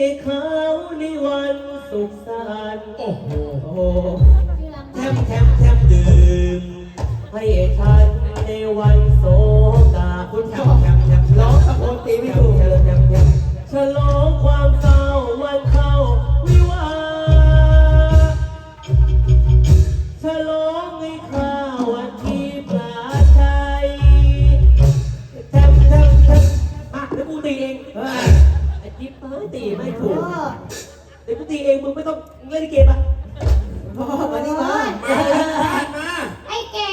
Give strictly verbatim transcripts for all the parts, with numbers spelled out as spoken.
เขาในวันสุขสันต์โอ้โหแทมแทมแทมดื่มให้ฉันในวันโศกาคุณแทมแทมแทมร้องตะโกนตีไม่ถูกแทมแทมแทมฉลองความเศร้าวันเข้าวิวาฉลองให้ข้าวันที่ปราชัยแทมแทมแทมอ่ะแล้วกูตีเองไอ้จิ๊บตีไม่ถูกเดี๋ยวกูตีเองมึงไม่ต้องเล่นเกมอ่ะพ่อมาดิมามาไอ้แก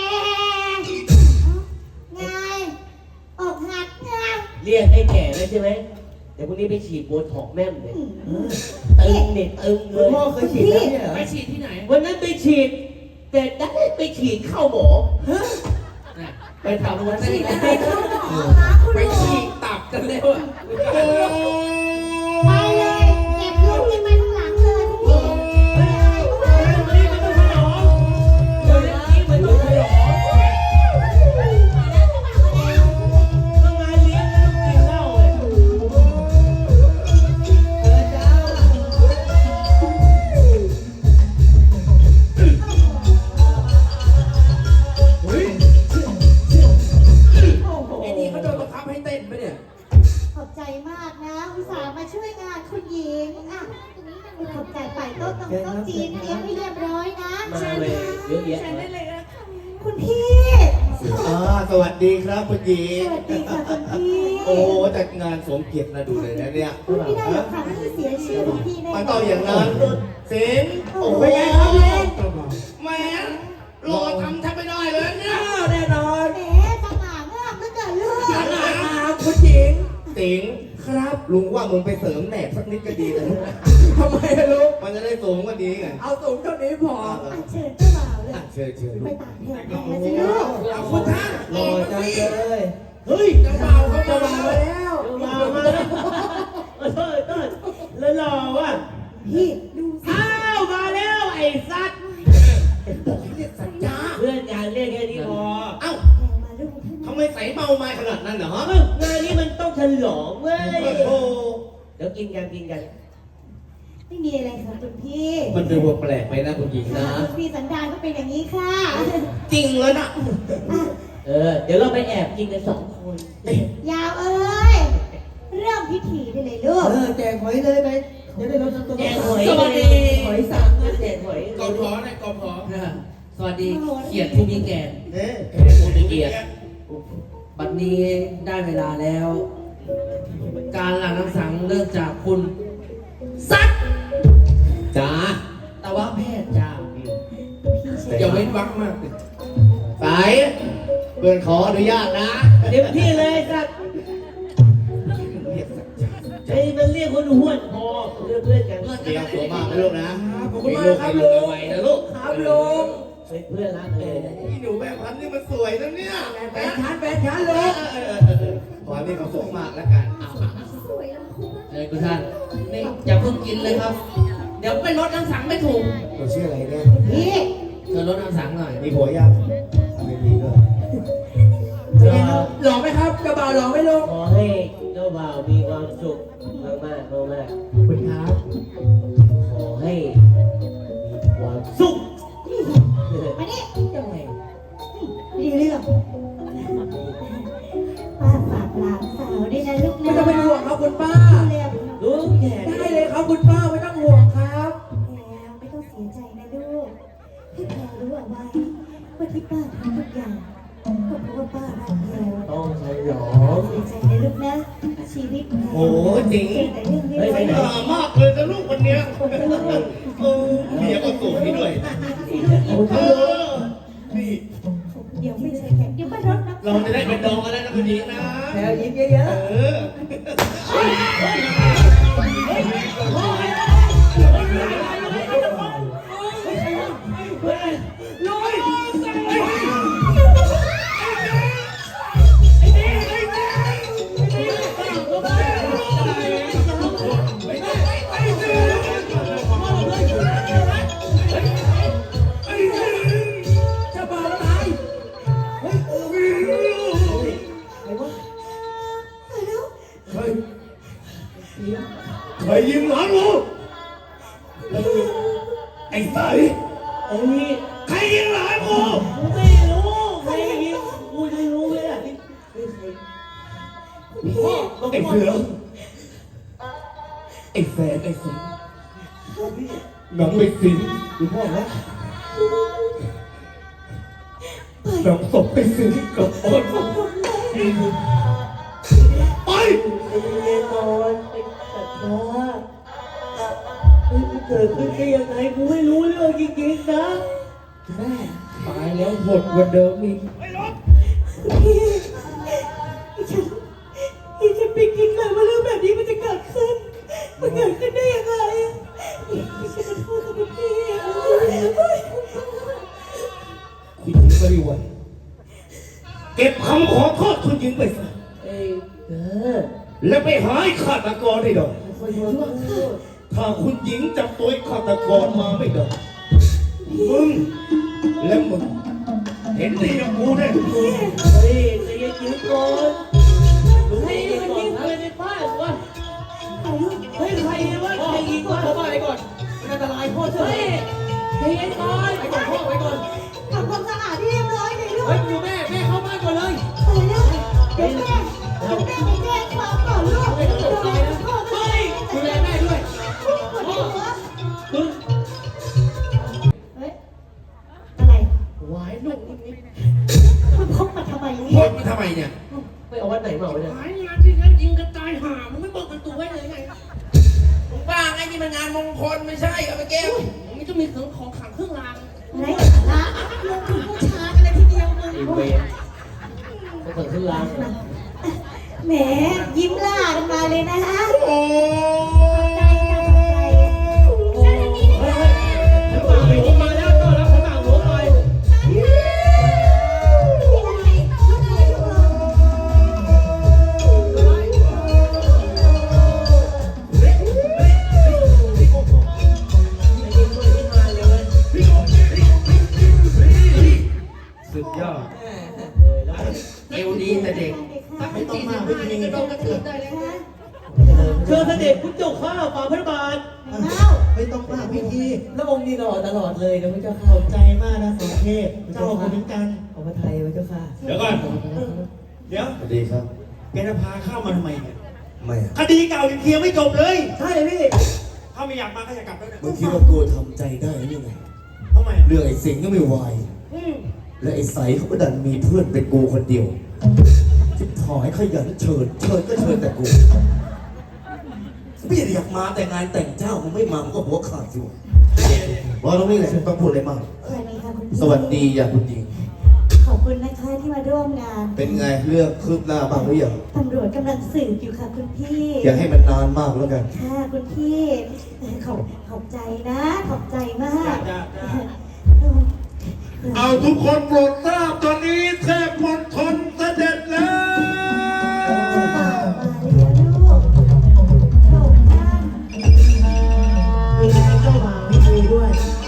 ไงออกหัดไงเรียกไอ้แก่เลยใช่ไหมเดี๋ยวพรุ่งนี้ไปฉีดโบท็อกแม่มเลยตึงเน็ตตึงเลยพ่อเคยฉีดแล้วเนี่ยไปฉีดที่ไหนวันนั้นไปฉีดแต่ได้ไปฉีดเข้าหมอไปทำวันนี้ไปเข้าหมอคะคุณไปฉีดตับกันแล้วอ่ะไปเลยเก็บลูกให้มันหลังเลยพี่นี่มันต้องฉลองเดี๋ยวนี้มันต้องฉลองต้องงานเลี้ยงแล้วกินเหล้าเลยเออจ้าเฮ้ยไอ้นี่เขาโดนบังคับให้เต้นไหมเนี่ยขอบใจมากนะอุตส่าห์มาช่วยงานคุณหญิงอ่ะขอบใจไปโต๊ะตรงโต๊ะจีนเตรียมให้เรียบร้อยนะมาเลยเยอะแยะคุณพี่อ่าสวัสดีครับคุณหญิงสวัสดีค่ะคุณพี่โอ้จัดงานสมเกียรตินะดูเลยนะเนี่ยคุณพี่ได้หรอคะไม่เสียชื่อคุณพี่แน่มันต้องอย่างนั้นเสียงโอ้ยแม่รอทำแทบไม่ได้เลยเนี่ยแน่นอนแหมสง่างามเหลือเกินลูกสง่างามคุณหญิงสิงครับลุงว่ามึงไปเสริมแหนบสักนิดก็ดีนะทำไมลูกมันจะได้สูงกว่านี้ไงเอาสูงเท่านี้พอเชิญเจ้าบ่าวเลยเชิญเชิญไปตากแดดกันนะสิลูกเอาคุณท่านรอจังเลยเฮ้ยเจ้าบ่าวเขาเจ้าบ่าวมาแล้วมามาแล้วเต้ยเต้ยแล้วรอว่ะพี่ดูสิอ้าวมาแล้วไอ้สัตว์เรียกสัญญาเพื่อนอยากเรียกแค่นี้พอเอ้ามาลูกทำไมใส่เมาไม้ขนาดนั้นเหรองานนี้มันต้องฉลองเว้ยโอ้เดี๋ยวกินกันกินกันไม่มีอะไรค่ะคุณพี่มันดูแปลกไปนะคุณหญิงนะคุณพี่สันดานก็เป็นอย่างนี้ค่ะจริงแล้วนะเออเดี๋ยวเราไปแอบกินกันสองคนยาวเอ้ยเริ่มพิธีได้เลยลูกเออแจกหอยเลยไปจะได้ลดตัวแจกหอยสวัสดีหอยสังนะแจกหอยกอพอนะกอพอสวัสดีเกียรติผู้มีแก่เอ๊ะผู้มีเกียรติบัดนี้ได้เวลาแล้ว การหลั่งน้ำสังเริ่มจากคุณซัดจ้าแต่ว่าแพทย์จ้าอย่าเว้นวรรคมากสายเพื่อนขออนุญาตนะเต็มที่เลยสัตว์ไอ้มันเรียกคนห้วนพอเรียกเพื่อนกันเตรียมตัวมากนะลูกนะขอบคุณมากครับลุงนะลูกครับลุงเพื่อนรักเลยพี่หนูแบบพันนี่มันสวยนะเนี่ยแฟนฉันแฟนฉันลุงขอให้มีความสุขมากแล้วกันเลยคุณท่านนี่อย่าเพิ่งกินเลยครับ เดี๋ยวไปลดน้ำสังไม่ถูกเราชื่ออะไรเนี่ยพี่เธอลดน้ำสังหน่อยมีผัวยังไม่มีเลยหล่อไหมครับเจ้าบ่าวหล่อไหมลุงขอให้เจ้าบ่าวมีความสุขมากมากมากคุณครับขอให้มีความสุขมาดิยังไงดีเรื่องป้าฝากหลานสาวด้วยนะลูกนะไม่ต้องเป็นห่วงครับคุณป้าลูกแก่ได้เลยครับคุณป้าไม่ต้องห่วงครับแล้วไม่ต้องเสียใจนะลูกให้แพรรู้เอาไว้ว่าที่ป้าทำทุกอย่างก็เพราะว่าป้ารักแพรต้องฉลองเสียใจนะลูกนะชีวิตแพรโอ้จริงแต่เรื่องนี้ไม่หล่อมากเลยนะลูกคนเนี้ยเออเมียก็สวยด้วยเออนี่เดี๋ยวไม่ใช่แขกเดี๋ยวป้ารถนะเราจะได้เป็นดองกันแล้วนะคุณหญิงนะแถวยิ้มเยอะๆเออกูไอ้ใสเอ้ยใครยิงหลานกูกูไม่รู้ใครยิงกูไม่รู้เลยอ่ะนี่นี่ใครพ่อบอกไอ้พ่อเสือไอ้แฟนไอ้สิงน้องไปสิงดูพ่อไหมน้องศพไปสิงกับอ้นไปไอ้เรียนนอนไอ้สัตว์นะเฮ้ยมันเกิดขึ้นได้ยังไงกูไม่รู้เรื่องจริงๆนะแม่ตายแล้วหดกว่าเดิมอีกพี่ฉันพี่ฉันไม่คิดเลยว่าเรื่องแบบนี้มันจะเกิดขึ้น มันเกิดขึ้นได้ยังไงพี่ฉันขอโทษกับพี่คุณหญิงบริวารเก็บคำขอโทษคุณหญิงไปซะเอ้ยเออแล้วไปหาไอ้ฆาตกรให้ได้คอยดูว่าถ้าคุณหญิงจับตัวไอ้ฆาตกรมาไม่ได้มึงและมึงเห็นดีกับกูแน่เฮ้ยใจเย็นๆก่อนรู้ให้มันยิงไปในบ้านวะเฮ้ยใครวะใครยิงวะเข้าบ้านไปก่อนมันอันตรายพ่อเชื่อใจเย็นก่อนไปก่อนพ่อไปก่อนทำความสะอาดให้เรียบร้อยเลยลูกเฮ้ยอยู่แม่แม่เข้าบ้านก่อนเลยไปแล้วเดี๋ยวแม่เดี๋ยวแม่ไปแจ้งความก่อนลูกไม่ต้องตกใจนะพ่อเฮ้ยดูแลแม่ด้วยปวดหัวมึงเฮ้ยอะไรหวายลูกนิดมันพกมาทำไมโคเนี่ยตรมาทำไมเนี่ยๆไม่เอาวัดไหนมาเอาเนี่ยหายงานที่แล้วยิงกันตายห่ามึงไม่บอกกันตัวไว้เลยไงมึงบ้าไงนี่มันงานมงคลไม่ใช่เอาไปแก้วมึงไม่ต้องมีเครื่องของขังเครื่องรางไรละลงถึงผู้ชายกันเลยทีเดียวมึงไอ้เวรก็ถึงขึ้นลางแหมยิ้มล่ากันมาเลยนะฮะโอ้ใจจังใจเจ้าหน้าที่เฮ้ยฉันฝากหลวงมาแล้วต้อนรับฉันฝากหลวงหน่อยสุดยอดเอวดีแต่เด็กไม่ต้องมาไม่มีกระโดดกระเทือนได้เลยเชิญเสด็จพุทธเจ้าข้าฝ่าพระบาทไม่ต้องมากพี่ทีแล้วองค์นี้หล่อตลอดเลยนะพระเจ้าขค่ะอบใจมากนะสองเทพเจ้าคนเหมือนกันขอพระไทยพระเจ้าค่ะเดี๋ยวก่อน เดี๋ยวสวัสดีครับแกจะพาข้ามาทำไมเนี่ยไม่อะคดีเก่ายังเคลียร์ไม่จบเลยใช่พี่ถ้าไม่อยากมาก็อย่ากลับแล้วเนี่ยมึงคิดว่ากูทำใจได้หรือไงทำไมเรื่องไอ้สิงห์ก็ไม่ไหวและไอ้ใสเขาก็ดันมีเพื่อนเป็นกูคนเดียวจิบถอยขยันเชิญเชิญก็เชิญแต่กูไม่อยากมาแต่งานแต่งเจ้ามึงไม่มามึงก็หัวขาดสิวะรอตรงนี้แหละต้องพูดอะไรมากสวัสดีค่ะคุณพี่สวัสดีอย่าคุณหญิงขอบคุณนะคะที่มาร่วมงานเป็นไงเรื่องคืบหน้าบ้างหรือยังตำรวจกำลังสืบอยู่ค่ะคุณพี่อย่าให้มันนานมากแล้วกันค่ะคุณพี่เอ่อขอบขอบใจนะ ขอบใจมากจ้าจ้าเออเอาทุกคนโปรดทราบตอนนี้เทพมณฑลเสด็จแล้วเจ้าบ่าวมาแล้วลูกโปรดท่านมีเจ้าบ่าวให้คุยด้วย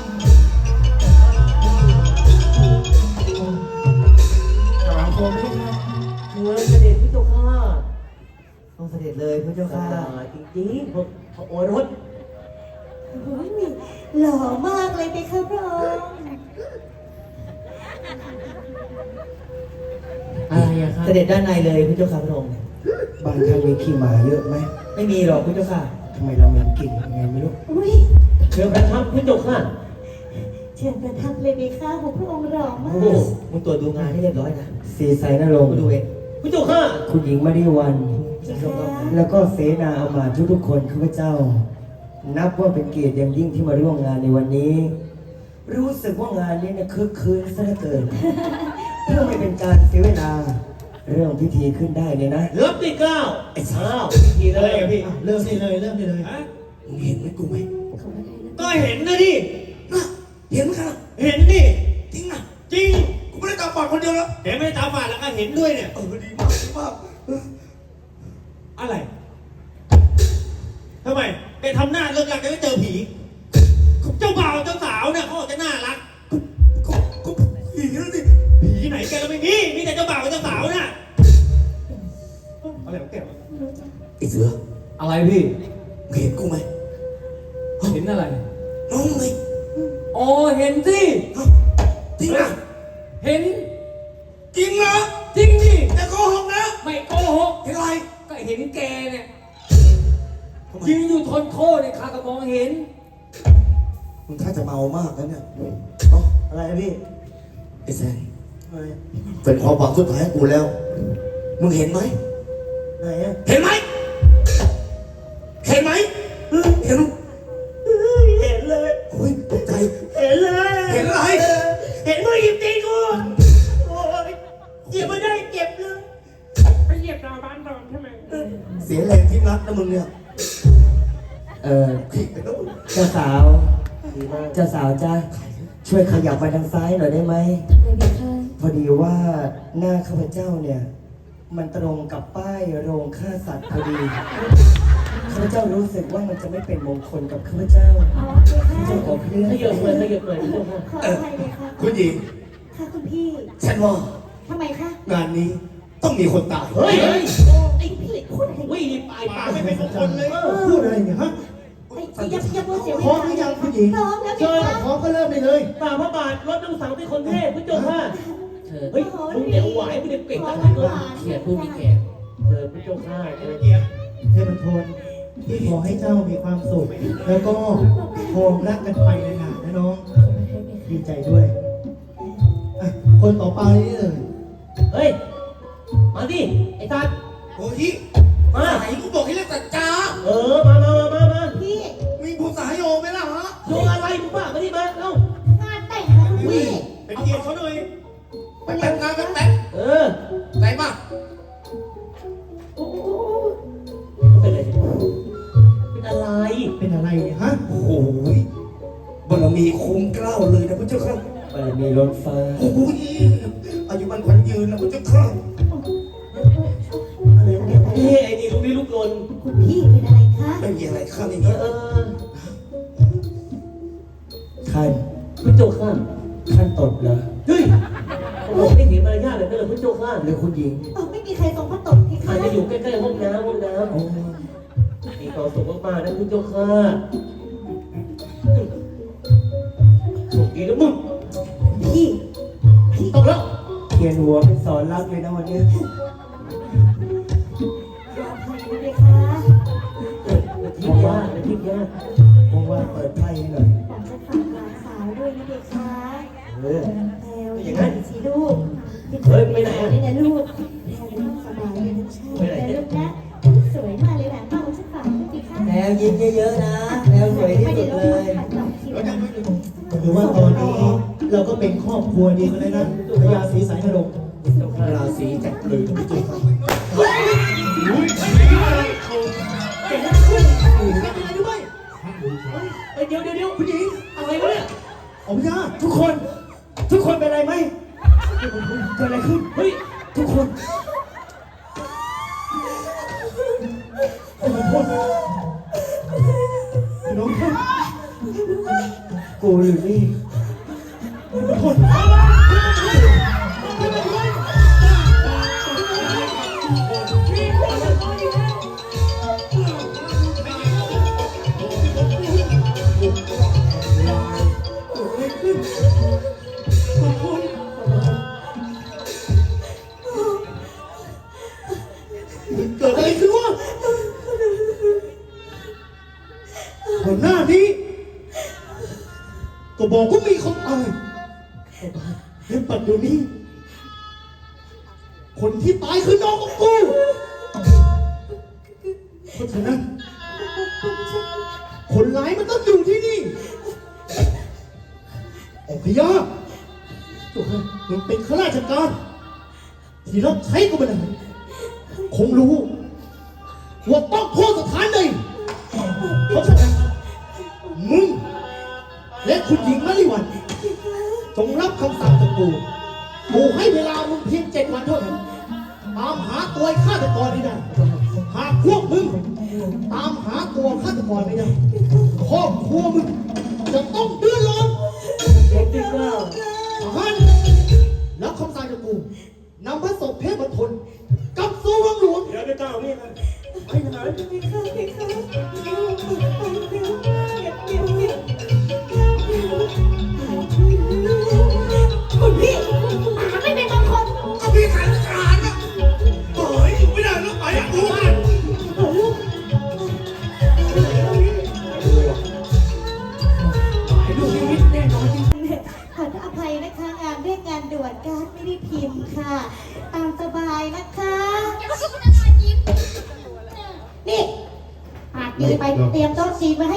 ถามผมไม่ใช่เชิญเสด็จพุทธเจ้าข้าต้องเสด็จเลยพระเจ้าค่ะจริงๆพระพระโอรสโอ้ยหล่อมากเลยไปครับพระองค์อะไรอะครับเสด็จด้านในเลยพระเจ้าค่ะพระองค์บ้านท่านมีขี้หมาเยอะไหมไม่มีหรอกพระเจ้าค่ะทำไมเราเหม็นกลิ่นยังไงไม่รู้อุ้ยเชิญประทับพุทธเจ้าข้าเชิญประทับเลยไปค่ะของพระองค์หล่อมาโอ้กมึงตรวจดูงานให้เรียบร้อยนะสีใสนรงค์มาดูเองพุทธเจ้าข้าคุณหญิงมาริวันจ้าค่ะแล้วก็เสนาอามาตย์ทุกๆคนข้าพเจ้า นับว่าเป็นเกียรติอย่างยิ่งที่มาร่วมงานในวันนี้ รู้สึกว่างานนี้เนี่ยคึกคืนซะเหลือเกิน เพื่อไม่เป็นการเสียเวลา เรื่องพิธีขึ้นได้เลยนะเลิฟที่เก้าไอ้สาวทีอะไรเลยอะพี่เริ่มได้เลยเริ่มได้เลยฮะมึงเห็นไหมกูไหมก็เห็นนะดิน่ะเห็นไหมครับเห็นดิจริงอ่ะจริงกูไม่ได้ตาฝาดคนเดียวแล้วเห็นไม่ได้ตาฝาดแล้วก็เห็นด้วยเนี่ยเออดีมากดีมากเอออะไรทำไมไปทำหน้าเลิกลักจะไม่เจอผี เจ้าบ่าวเจ้าสาวเนี่ยเขาบอกจะน่ารักก็ก็ผีนั่นสิผีไหนแกก็ไม่มี มีแต่เจ้าบ่าวกับเจ้าสาวน่ะอะไรของแกวะไอ้เสืออะไรพี่มึงเห็นกูไหมอะไรน้องเลยอ๋อเห็นสิจริงนะเห็นจริงนะจริงดิแต่โกหกนะไม่โกหกเห็นอะไรก็เห็นแกเนี่ยทำไมยืนอยู่ทนโทษเนี่ยข้าก็มองเห็นมึงถ้าจะเมามากแล้วเนี่ยเอ้าอะไรนะพี่ไอ้แซนอะไรเป็นความหวังสุดท้ายของกูแล้ว มึงเห็นไหมไหนอะเห็นไหม เห็นไหม เห็นเห็นเลยโอ้ยตกใจเห็นเลยเห็นอะไรเห็นมึงหยิบตีกูโอ้ยหยิบมาได้เจ็บเลยไปเหยียบดาวบ้านดอนใช่ไหมเสียแรงที่นัดนะมึงเนี่ยเออผิดไปแล้วเจ้าสาวดีมากเจ้าสาวจ้าช่วยขยับมาทางซ้ายหน่อยได้ไหมเลยเด็กค่ะพอดีว่าหน้าข้าพเจ้าเนี่ย มันตรงกับป้ายโรงฆ่าสัตว์พอดีข้าพเจ้ารู้สึกว่ามันจะไม่เป็นมงคลกับข้าพเจ้าอ๋อเด็กค่ะเจ้าขอเพื่อนขยับเลยขยับเลยขยับเลยขออภัยเลยค่ะคุณหญิงค่ะคุณพี่ฉันว่าทำไมคะงานนี้ต้องมีคนตายเฮ้ยเฮ้ยไอ้พี่พูดอะไรวิ่งนี่ปลายปากไม่เป็นมงคลเลยพูดอะไรเนี่ยฮะไอ้ยับยับเสียเวพร้อมลาหรือยังผู้หญิงพร้อมแล้วเชิเด็กญค่ะพร้อมก็เริ่มได้เลยฝ่าพระบาทรถน้ำสังเป็นคนเทพพุทธเจ้าค่ะเชิญเฮ้ยมึงเดี๋ยวไหวมึงเดี๋ยวเก่งขอนะหวานเขียนผู้มีแขกเชิญพุทธเจ้าค่ะเชิญเทพทนที่ขอให้เจ้ามีความสุข แล้วก็โฮมรักกันไปนานๆนะน้อง ดีใจด้วยอ่ะคนต่อไปนี่เลยเฮ้ย มาดิ ไอ้ตัดโอ้ยมาไหนกูบอกให้เรียกสัจจาเออ มามามามามาพี่มีผู้สายโยไหมล่ะฮะโยงอะไรมึงบ้ามาดิมาเอ้างานแต่งนะคุณพี่เป็นเกียรติเขาหน่อยไปแต่งงานไปแต่งเออไหนมาโอ้โหเป็นอะไรเป็นอะไรเป็นอะไรเนี่ยฮะโอ้โหบารมีคุ้มเกล้าเลยนะพระเจ้าค่ะบารมีล้นฟ้าโอ้โหอายุมันขวัญยืนนะพระเจ้าค่ะอะไรเนี่ยเฮ้ยไอ้นี่ลูกนี่ลูกลนคุณพี่เป็นอะไรคะไม่มีอะไรข้าไม่เอมีอเออท่านพุทธเจ้าค่ะท่านตดเหรอเฮ้ยโอ้โหไม่เสียมารยาทเลยนะพุทธเจ้าค่ะหรือคุณหญิงเออไม่มีใครทรงพระตกพี่อาคะจจะอยู่ใกล้ๆห้องน้ำห้องน้โอ้ำมีความสุขมากๆนะพุทธเจ้าค่ะโชคดีนะมึงพี่พี่ตกแล้วเขียนหัวเป็นสอนรักเลยนะวันเนี้ยขออภัยด้วยค่ะเออเดี๋ยวทิพย์ยากเดี๋ยวทิพย์ยากว่างๆเปิดไพ่ให้หน่อยผมจะฝากหลานสาวด้วยนะเด็กค่ะเออแพลวอย่างนั้นสิลูกเฮ้ยไปไหนอะนี่นะลูกแพลวจะต้องสบายเลยนะใช่ไปไหนแต่เนี่ยลูกนะสวยมากเลยแหละป้าผมจะฝากด้วยดีค่ะแล้วยิ้มเยอะๆนะแล้วสวยที่สุดเลยหรือว่าตอนนี้เราก็เป็นครอบครัวเดียวกันเลยนะพญาศรีสายนรงค์ราศีจักรเลยนะพระเจ้าค่ะเก่งนะคุณเฮ้ยเดี๋ยวเดี๋ยวเดี๋ยวผู้หญิงอะไรวะเนี่ยเอาพญาทุกคน ทุกคนเป็นอะไรไหมเกิดอะไรขึ้นเฮ้ยทุกคนน้องคนกูหรือนี่คน เกิดอะไรขึ้นวะก่อนหน้านี้ก็บอกว่ามีคนตายและปัจจุบันนี้ คนที่ตายคือน้องของกู เพราะฉะนั้น คนร้ายมันต้องอยู่ที่นี่องค์พญามันเป็นข้าราชการ ที่รับใช้ก็ไม่ได้คงรู้ว่าต้องโทษสถานใดเพราะฉะนั้นมึงและคุณหญิงมะลิวันจงรับคำสั่งจากกูกูให้เวลามึงเพียงเจ็ดวันเท่านั้นตามหาตัวไอ้ฆาตกรนี้ได้หากพวกมึงตามหาตัวฆาตกรไม่ได้ครอบครัวมึงจะต้องเดือดร้อนเด็กดีกว่าทหารรับคำสั่งจากกูนำพระศพเทพทนกลับสู่วังหลวงเดี๋ยวได้เจ้านี่กันพี่คะพี่คะลูกไปเร็วเก็บเก็บเก็บ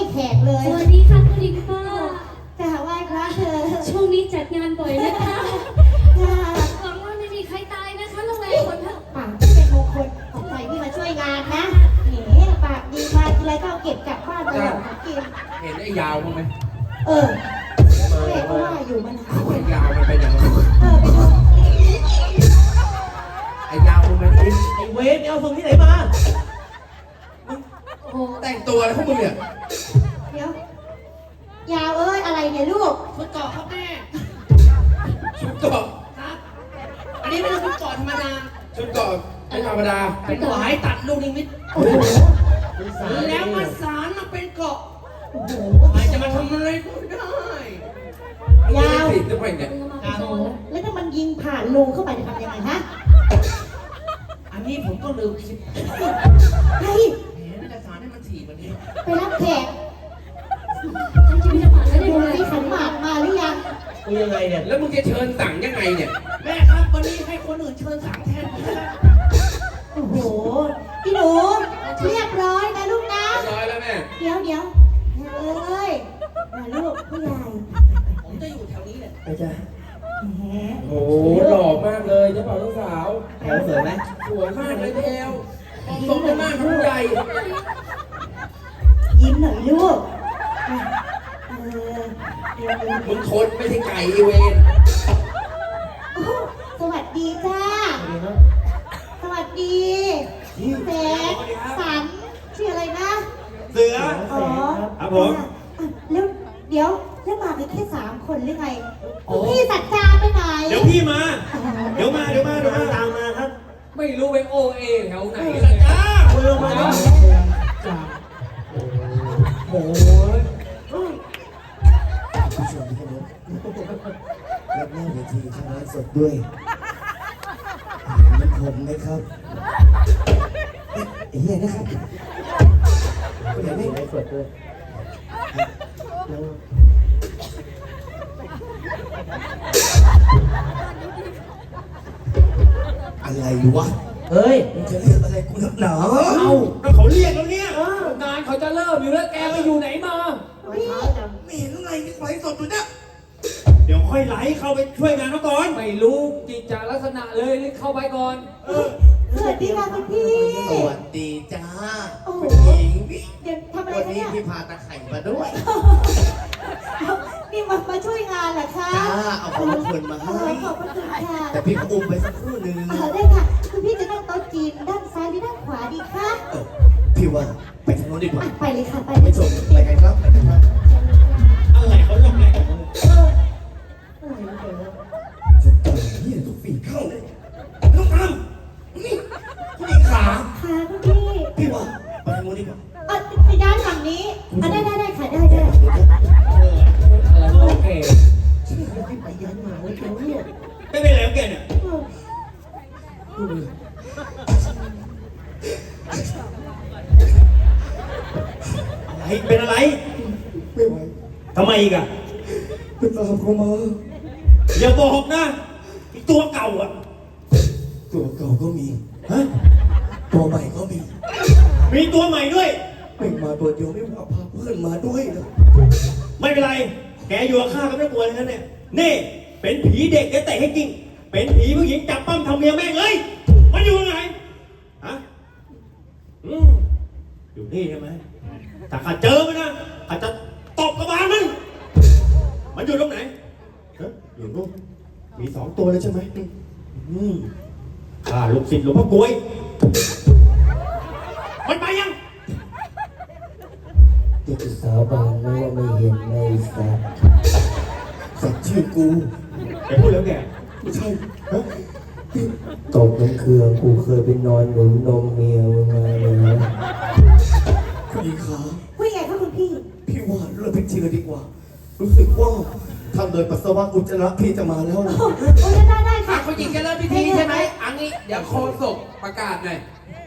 แขกเลยสวัสดีค่ะคุณหญิงป้าจะไหว้พระเธอช่วงนี้จัดงานบ่อยนะคะจ้าหวังว่าไม่มีใครตายนะคะโรงแรมคนเถอะปากที่เป็นมงคลของใครที่มาช่วยงานนะแหมปากดีมาทีไรก็เอาเก็บกลับบ้านตลอดนะกินเห็นไอ้ยาวมั้างไหมเออแม่ก็ว่าอยู่มันหายไอ้ยาวมันเป็นอย่างไรเออไปดูไอ้ยาวมึงไหมนี่ไอ้เวรเอาส่งที่ไหนมาโอ้โหแต่งตัวอะไรพวกมึงเนี่ยเดี๋ยว ยาวเอ้ยอะไรเนี่ยลูกชุดเกาะครับแม่ชุดเกาะครับ อันนี้ไม่ใช่ชุดเกาะธรรมดาชุดเกาะไม่ธรรมดาเป็นหวายตัดลูกนิมิตโอ้โหแล้วมาสารมาเป็นเกาะใครจะมาทำอะไรก็ได้ยาวติดจะไปเนี่ยโอ้โหแล้วถ้ามันยิงผ่านรูเข้าไปจะทำยังไงฮะอันนี้ผมก็ลืมคิดเฮ้ยแหมน่าจะสารให้มันถี่กว่านี้ไปรับแขกฉันจะไม่ได้ผ่านแล้วได้ดูไหมสิขันหมากมาหรือยังกูยังไงเนี่ยแล้วมึงจะเชิญสั่งยังไงเนี่ย แม่ครับวันนี้ให้คนอื่นเชิญสั่งแทนผมนะโอ้โห พี่หนูเรียบร้อยนะลูกนะเรียบร้อยแล้วแม่เดี๋ยวเดี๋ยวเอ้ยมาลูกผู้ใหญ่ผมจะอยู่แถวนี้แหละไปจ้ะแหมโอ้โหหล่อมากเลยเจ้าบ่าวเจ้าสาวแถวสวยไหมสวยมากเลยแพลวสมเป็นมากผู้ใหญ่ยิ้มหน่อยลูกเออเดี๋ยวมึงทนไม่ใช่ไก่อีเวนโอ้สวัสดีจ้า สวัสดีแสนสันชื่ออะไรนะเสืออ๋อครับผมอ่ะแล้วเดี๋ยวแล้วมากันแค่สามคนหรือไงพี่สัจจาไปไหนเดี๋ยวพี่มา เดี๋ยวมา เดี๋ยวมา เดี๋ยวมาตามมาครับไม่รู้ไปโอเอแถวไหนสัจจาเอาลงมาดิโอ้โหผู้ชมที่เคารพรับหน้าเวทีทางไลฟ์สดด้วยมันผมนะครับไอ้เหี้ยนะครับเดี๋ยวไม่ไลฟ์สดด้วยแล้วอะไรวะเฮ้ยมึงจะเรียกอะไรกูนักหนาเอาก็เขาเรียกแล้วเนี่ยงานเขาจะเริ่มอยู่แล้วแกไปอยู่ไหนมาไม่เห็นไงนี่ไลฟ์สดอยู่เนี่ยเดี๋ยวค่อยไหลเข้าไปช่วยงานเขาก่อนไม่รู้จิตจาลักษณะเลยรีบเข้าไปก่อนเออสวัสดีค่ะคุณพี่สวัสดีจ้าโอ้โหคุณหญิงพี่เดี๋ยวทำอะไรวันกันนี้เนี่ยพี่พาตะไคร่มาด้วยนี่มามาช่วยงานเหรอคะจ้าเอาของมงคลมาเอให้อขอบพระคุณค่ะแต่พี่ก็อุ้มไปสักครู่หนึ่งเออได้ค่ะ คุณพี่จะนั่งโต๊ะจีนด้านซ้ายหรือด้านขวาดีคะเออพี่ว่าไปทางโน้นดีกว่าอ่ะไปเลยค่ะ ไปไม่ชมไปกันครับไปกันครับอะไรเขาลงอะไรของมึงเอออะไรนะเดี๋ยวนะจะต่อยนี่ทุกฝีเข้าเลยน้องอามนี่ผู้หญิงขาค่ะคุณพี่พี่ว่าไปทางโน้นดีกว่าเออไปด้านฝั่งนี้อ่ะได้ได้ได้ค่ะได้ได้โอเคพี่ไปยันหมาไว้เขาเนี่ยไม่เป็นไรของแกเนี่ยเอออะไร เป็นอะไรไม่ไหวทำไมอีกอะไปตามเขามาอย่าบอกนะไอ้ตัวเก่าอะตัวเก่าก็มีฮะตัวใหม่ก็มีมีตัวใหม่ด้วยไม่มาตัวเดียวไม่ว่าพาเพื่อนมาด้วยนะไม่เป็นไร แกอยู่กับข้าก็ไม่กลัวเลยนะเนี่ย นี่ เป็นผีเด็กแกเตะให้จริง เป็นผีผู้หญิงจับปั้มทำเมียแม่งเลย มันอยู่ไหนฮะอืมอยู่นี่ใช่ไหมถ้าข้าเจอมันนะข้าจะตบกระบาลมัน มันอยู่ตรงไหนฮะอยู่นู่นมีสองตัวเลยใช่ไหมอืมข้าลูกศิษย์หลวงพ่อกลวย มันไปยังเด็กสาวบานไม่ว่าไม่เห็นในสัตว์สัตว์ชื่อกูแกพูดแล้วแกไม่ใช่ฮะตบน้ำเครือกูเคยไปนอนหนุนนมเมียมึงมาเลยนะผู้หญิงขาคุยไงคะคุณพี่พี่ว่าเลิกเป็นจริงเลยดีกว่า รู้สึกว่าทำโดยปัสสาวะอุจจาระพี่จะมาแล้วโอ้ยได้ได้อ่ะค่ะคุณหญิงจะเริ่มพิธีใช่ไหมอันนี้เดี๋ยวโคศกประกาศหน่อย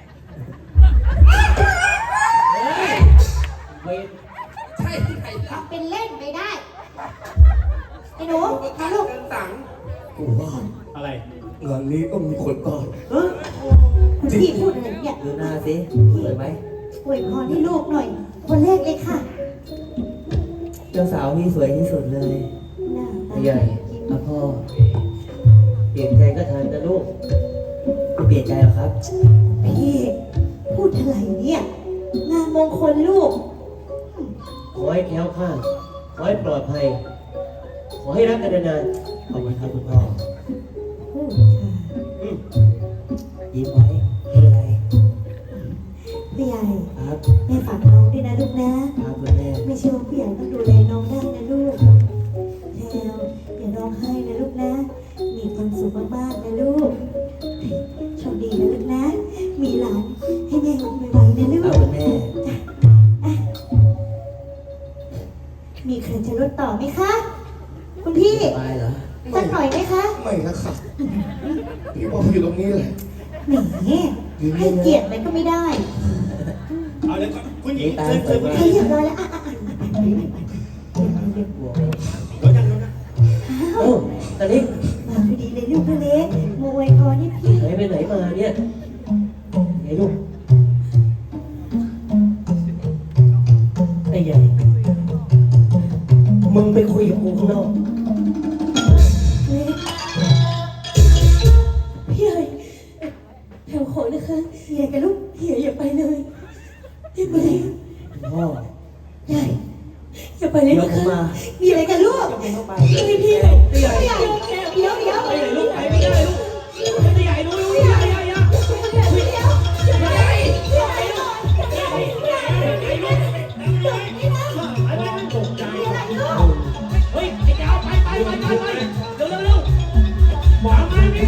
เฮ้ยเวรใช่ที่ไหนล่ะทำเป็นเล่นไม่ได้ ไอ้หนูประกาศลูกเชิญสั่งกูว่าอะไรงานนี้ก็มีคนตายเฮ้ยคุณพี่พูดอะไรเนี่ยดูหน้าสิสวยไหมอวยพรให้ลูกหน่อย คนแรกเลยค่ะสเจ้าสาวพี่สวยที่สุดเลยหน้าตาใหญ่อะพ่อ เปลี่ยนใจก็ทันนะลูกไม่เปลี่ยนใจหรอครับพี่พูดอะไรเนี่ยงานมงคลลูกขอให้แคล้วคลาดขอให้ปลอดภัย ขอให้รักกันนานๆขอบคุณครับคุณพ่ออืมอืมยิ้มไว้ไม่เป็นไรพี่ใหญ่ครับแม่ฝากน้องด้วยนะลูกนะครับคุณแม่ไม่เชื่อว่าพี่ใหญ่ต้องดูแลน้องได้นะลูกแล้วอย่าร้องไห้นะลูกนะ มีความสุขมากๆนะลูกโชคดีนะลูกนะ มีหลานให้แม่ลูกไวๆนะลูครับกคุณแม่มีใครจะลดต่อไหมคะ คุณพี่สบายเหรอสักหน่อยไหมคะไม่นะครับพี่บอกอยู่ตรงนี้เลยแหมให้เกียรติเลยก็ไม่ได้เอาเลยก่อนคุณหญิงตาเชิญสเชิวยญคุณมาหให้ญิงเรียบร้อยแล้วอ่ะอ่ะอ่ะไปไปไปไปเรียกบัวเดี๋ยวยังเดี๋ยวนะเอ้าตอนนี้มาพอดีเลยลูกทะเล็กมาอวยพรให้พี่หายไปไหนมาเนี่ยไงลูกไอ้ใหญ่ มึงไปคุยกับกูข้างนอกเล็กพี่ใหญ่แถวขอนะคะเฮียกับลูกเฮียอย่าไปเลยอย่าไปเลยพ่อใหญ่อย่าไปเลยเดี๋ยวนะผมคะมามีอะไรกันลูกจะไปเข้าไปพี่พี่พี่ใหญ่พี่ใหญ่เดี๋ยวเดี๋ยวไปไหนลูกไปไม่ได้ลูกพี่ใหญ่ลูกลูกใหญ่ใหญ่ใหญ่เดี๋ยวเดี๋ยวใหญ่ใหญ่ลูกใหญ่ใหญ่ใหญ่ลูกนี่นะไอ้แม่ตกใจมีอะไรลูกเฮ้ยไอ้เจ้าไปไปไปไปไปเร็วเร็วเร็วหมอมานี่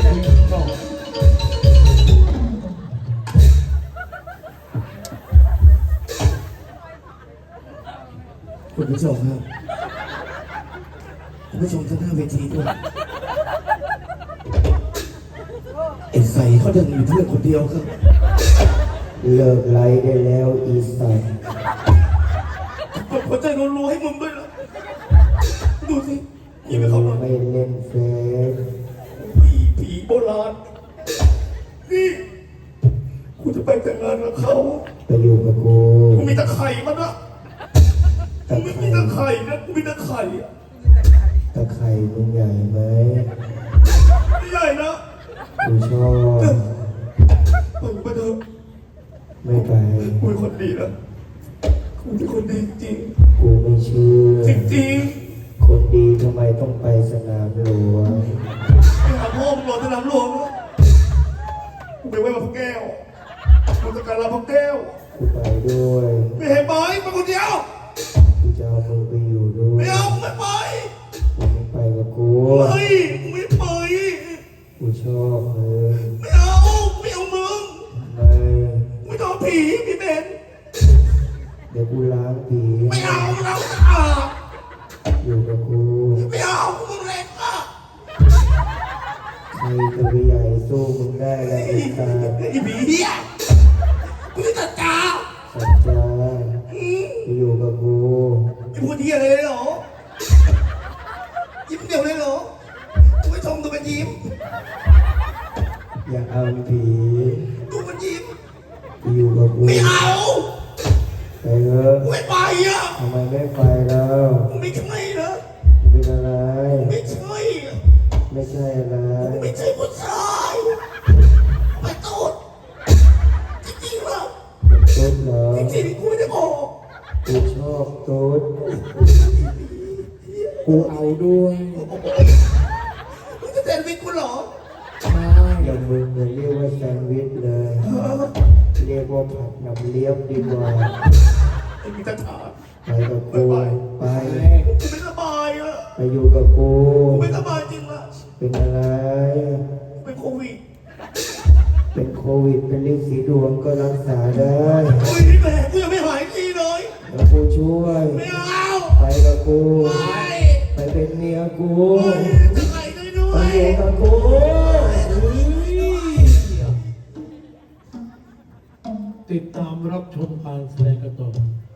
คุณผู้ชมครับคุณผู้ชมทั้งหน้าเวทีด้วยไอ้ใส่เขาดันมีเพื่อนคนเดียวครับเลิกไล่ได้แล้วอีสัตว์กดหัวใจรัวๆให้มึงด้วยนะดูสิกูยิงไปเขาหน่อยไม่เล่นเฟซผีผีโบราณนี่กูจะไปแต่งงานกับเขาไปอยู่กับกูกูมีตะไคร่มันนะตะกูไม่ไคมีร่ตะไคร่นะกูมีตะไคร่อะตะไคร่มึงใหญ่ไหมไม่ใหญ่นะกูชอบไปกูไปเถอะไม่ไปกูเป็นคนดีนะกูเป็นคนดีจริงกูไม่เชื่อจริงจริงคนดีทำไมต้องไปสนามหลวงๆไปหาพ่อมึงรอสนามหลวงนะกูไปไหว้พระแก้วกูจะการลาพระแก้วกูไปด้วยไม่เห็นไหมไปคนเดียวกูจะเอามึงไปอยู่ด้วยไม่เอาไม่ไปกูไม่ไปกับกูเฮ้ยไม่ไปกูชอบมึงไม่เอาไม่เอามึงไม่ไม่ต้องผีพี่เบนเดี๋ยวกูล้างผีไม่เอาเราสะอาดอยู่กับกูไม่เอามึงเล็กอะใครจะไปใหญ่สู้มึงได้แล้วไอ้ตาไอ้ผีเหี้ยกูจะจัดการสัจจาไปอยู่กับกูไอ้พูดเหี้ยอะไรเลยเหรอยิ้มเดียวเลยเหรอกูไม่ชมดูมันยิ้มอย่าเอาผีดูมันยิ้มไปอยู่กับกูไม่เอาไปเถอะกูไม่ไปอ่ะทำไมไม่ไปแล้วกูไม่ใช่นะมึงเป็นอะไรไม่ใช่อะไม่ใช่อะไรกูไม่ใช่ผู้ชายไปตูดจริงๆเหรอตุ๊ดเหรอจริงๆกูไม่ได้บอกกูชอบตุ๊ดกูเอาด้วยมึงจะแซนด์วิชกูเหรออย่ามึงอย่าเรียกว่าแซนด์วิชเลย เรียกว่าผัดน้ำเลี้ยงดีกว่าไอ้มีตาถาไปกับกูไปกูไม่สบายอ่ะไปอยู่กับกูกูไม่สบายจริงอ่ะเป็นอะไรกูเป็นโควิดเป็นโควิด เป็นลิ้นสีดวงก็รักษาได้โอ้ยพี่แม่กูยังไม่หายทีเลยแล้วกูช่วยไม่เอาไปกับกูไม่ไปเป็นเมียกูโอ้ยจะไหนด้วยด้วไปยอยู่กับกูติดตามรับชมการแสดงกันต่อ